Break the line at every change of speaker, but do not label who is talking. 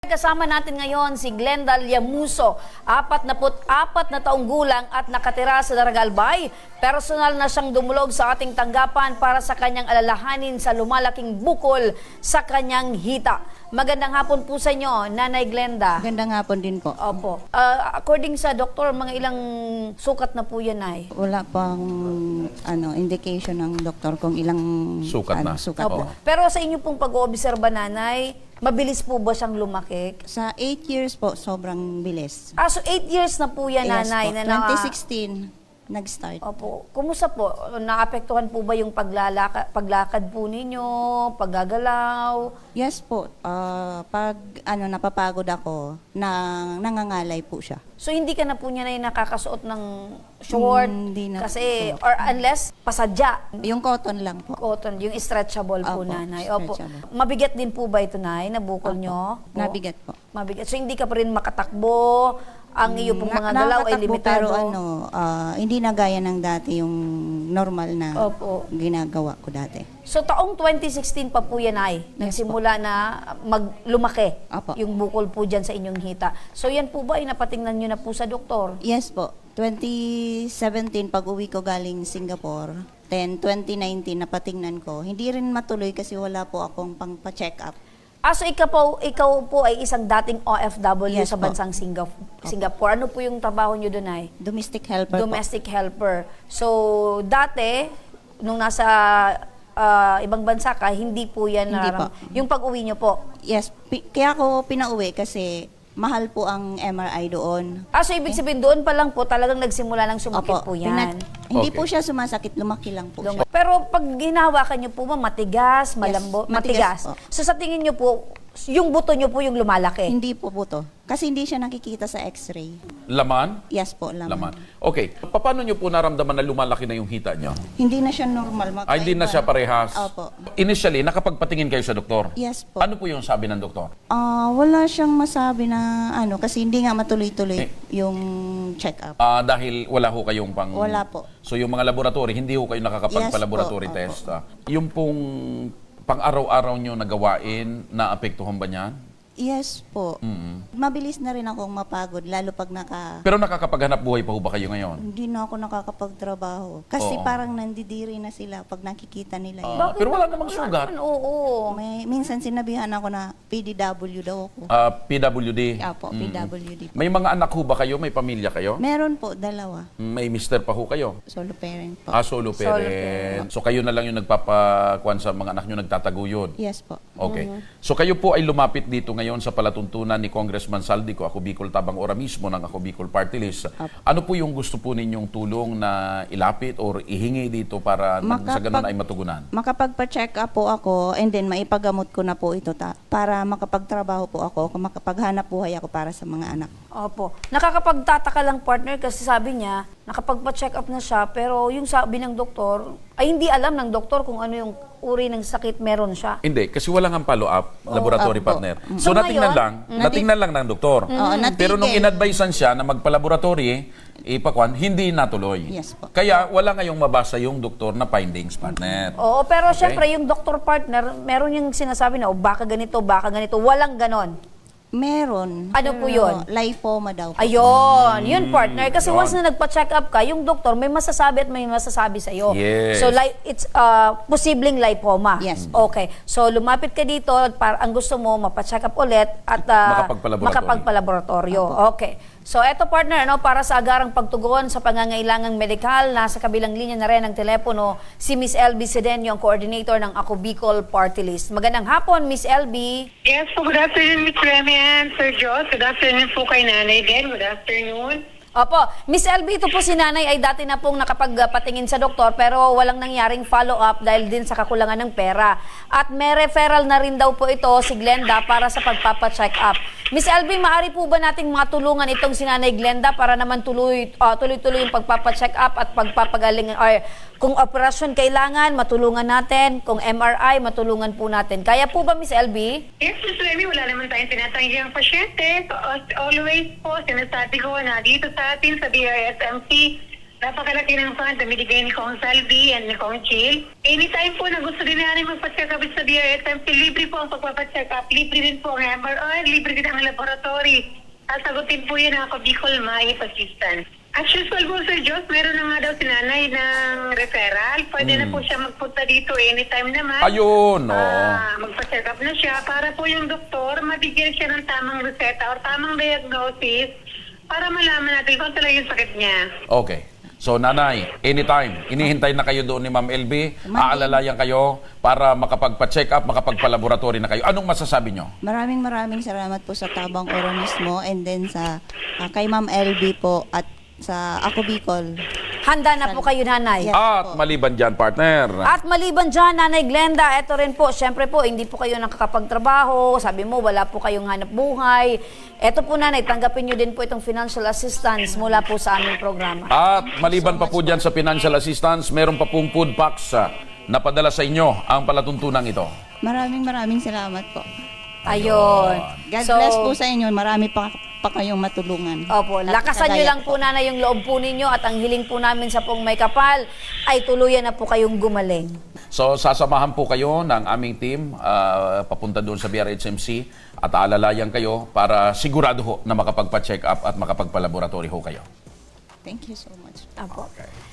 Kasama natin ngayon si Glenda Llamuso, 44 na taong gulang at nakatira sa Daragalbay. Personal na siyang dumulog sa ating tanggapan para sa kanyang alalahanin sa lumalaking bukol sa kanyang hita. Magandang hapon po sa inyo, Nanay Glenda.
Magandang hapon din po.
Opo. According sa doktor, mga ilang sukat na po yan ay?
Wala pang indication ng doktor kung ilang
Sukat na.
sukat
Opo.
na.
Pero sa inyo pong pag-oobserba, Nanay, mabilis po ba siyang lumaki?
Sa 8 years po, sobrang bilis.
So 8 years na po yan,
Yes
Nanay.
po.
Na
2016, nag-start.
Opo. Kumusta po? Naapektuhan po ba yung paglakad po ninyo, paggagalaw?
Yes po. Pag napapagod ako, nangangalay po siya.
So hindi ka na po niya na nakakasuot ng short?
Hindi na
Kasi,
po.
or unless, pasadya.
Yung cotton lang po.
Cotton, yung stretchable po,
Opo,
Nanay. Opo.
stretchable.
Mabigat din po ba ito, Nay? Nabukol
Opo.
nyo?
Nabigat po.
Mabigat. So hindi ka pa rin makatakbo? Ang iyo pong mga galaw ay
Nakakatakbo,
limitado?
pero hindi na gaya ng dati yung normal na
Opo.
ginagawa ko dati.
So taong 2016 pa po yan ay nagsimula na lumaki
Opo.
yung bukol po dyan sa inyong hita. So yan po ba ay napatingnan nyo na po sa doktor?
Yes po. 2017, pag-uwi ko galing Singapore. Then, 2019, napatingnan ko. Hindi rin matuloy kasi wala po akong pang-check up.
So ikaw po ay isang dating OFW
Yes
sa
po.
bansang Singapore. Ano po yung trabaho nyo doon ay?
Domestic helper
Domestic helper. So dati, nung nasa ibang bansa ka, hindi po yan
Hindi po.
yung pag-uwi nyo po.
po. Yes, kaya ako pinauwi kasi mahal po ang MRI doon.
So ibig sabihin doon pa lang po talagang nagsimula ng sumakit po yan.
Hindi
Okay.
po siya sumasakit, lumaki lang po siya.
Pero pag hinawakan niyo po ba, matigas, malambo,
matigas
matigas.
po.
So sa tingin niyo po, yung buto niyo po yung lumalaki.
Hindi po buto. Kasi hindi siya nakikita sa x-ray.
Laman?
Yes po, laman.
Okay. Paano nyo po naramdaman na lumalaki na yung hita nyo?
Hindi na siya normal.
Ay, hindi na siya parehas.
Opo.
Initially, nakapagpatingin kayo sa doktor?
Yes po.
Ano po yung sabi ng doktor?
Wala siyang masabi na kasi hindi nga matuloy-tuloy yung check-up.
Dahil wala ho kayong pang...
Wala po.
So yung mga laboratory, hindi ho kayo nakakapagpa-laboratory
Yes po.
test. Yung pong pang-araw-araw nyo na gawain, naapektuhan ba niyan?
Yes po. Mabilis na rin akong mapagod, lalo pag
Pero nakakapaghanap buhay pa ho ba kayo ngayon?
hindi na ako nakakapagtrabaho. Kasi
Oo.
parang nandidiri na sila pag nakikita nila yun.
Pero wala namang sugat.
Oo.
Minsan sinabihan ako na PDW daw ako.
PWD.
Apo, PWD po.
May mga anak ho ba kayo? May pamilya kayo?
Meron po, dalawa.
May mister pa ho kayo?
Solo parent po.
Solo parent. So kayo na lang yung nagpapakuan sa mga anak nyo, nagtataguyod.
Yes po.
Okay. So kayo po ay lumapit dito ngayon sa palatuntunan ni Congressman Saldico, Ako Bicol Tabang Ora mismo ng Ako Bicol Party List. Ano po yung gusto po ninyong tulong na ilapit or ihingi dito para nang sa ganun ay matugunan?
Makapagpa-check up po ako and then maipagamot ko na po ito para makapagtrabaho po ako, makapaghanap buhay ako para sa mga anak.
Opo. Nakakapagtataka lang, partner, kasi sabi niya, nakapagpa-check up na siya, pero yung sabi ng doktor, ay hindi alam ng doktor kung ano yung uri ng sakit meron siya.
Hindi, kasi wala nga follow-up, laboratory
opo.
partner.
So
So, natingnan
ngayon,
lang ng doktor.
natigil.
Pero nung inadvisean siya na magpa-laboratory, ipakwan, hindi natuloy.
Yes po.
Kaya wala ngayong mabasa yung doktor na findings, partner.
Oo, pero
Okay.
syempre, yung doktor partner, meron yung sinasabi na, baka ganito, walang ganon.
Meron.
Ano po yun?
Lipoma daw po.
Ayun, yun partner. Kasi
yun.
once na nagpa-check up ka, yung doktor may masasabi at may masasabi sa'yo.
Yes.
So it's posibleng lipoma.
Yes.
Okay. So lumapit ka dito, ang gusto mo, mapacheck up ulit at makapagpalaboratorio. Okay. So eto partner, para sa agarang pagtugon sa pangangailangang medikal, nasa kabilang linya na rin ng telepono si Miss LB Sedeño, ang coordinator ng Ako Bicol Party List. Magandang hapon, Miss LB.
Yes po, good afternoon, Ms. Remy and Sir Joss. Good afternoon po kay Nanay din. Good afternoon.
Opo, Miss LB, ito po si Nanay ay dati na pong nakapagpatingin sa doktor pero walang nangyaring follow-up dahil din sa kakulangan ng pera. At may referral na rin daw po ito si Glenda para sa pagpapacheck up. Miss LB, maaari po ba nating matulungan itong si Nanay Glenda para naman tuloy-tuloy yung pagpapacheck up at pagpapagaling or kung operasyon kailangan, matulungan natin. Kung MRI, matulungan po natin. Kaya po ba, Miss LB?
Yes, Ms. Remy, wala naman tayong tinatanggi ang pasyente. So, as always po, sinasabi ko na dito sa atin sa DRSMC, Napakalaki ng fund na binigay ni Kong Salvi and ni Kong Chill. Anytime po na gusto din namin magpa-check up sa DRSMC, libre po ang pagpapacheck up, libre din po ang MRI, libre din ang laboratory. Sasagutin po yun ako Bicol Maip Assistance. As usual po, Sir Jos, meron na nga daw si nanay ng referral. Pwede na po siya magpunta dito anytime naman.
Ayun, oo.
Magpa-check up na siya para po yung doktor mabigyan siya ng tamang reseta or tamang diagnosis para malaman natin kung talaga yung sakit niya.
Okay. So, nanay, anytime, inihintay na kayo doon ni Ma'am LB, aalalayan kayo para makapagpa-check up, makapagpa-laboratory na kayo. Anong masasabi nyo?
Maraming salamat po sa Tabang Oro mismo and then sa kay Ma'am LB po at sa Ako Bicol.
Handa na po kayo, nanay.
Yes.
At maliban dyan, partner.
At maliban dyan, Nanay Glenda, eto rin po, syempre po, hindi po kayo nakakapagtrabaho, sabi mo, wala po kayong hanap buhay. Eto po, Nanay, tanggapin nyo din po itong financial assistance mula po sa aming programa.
At maliban pa po dyan sa financial assistance, meron pa pong food packs na padala sa inyo ang palatuntunan ito.
Maraming salamat po.
Ayun.
God bless po sa inyo. Marami pa kayong matulungan.
Opo, lakasan nyo lang po, Nanay, yung loob po ninyo at ang hiling po namin sa pong may kapal ay tuluyan na po kayong gumaling.
So, sasamahan po kayo ng aming team papunta doon sa BRHMC at aalalayan kayo para sigurado ho na makapagpa-check up at makapagpa-laboratory ho kayo.
Thank you so much.
Opo.
Okay.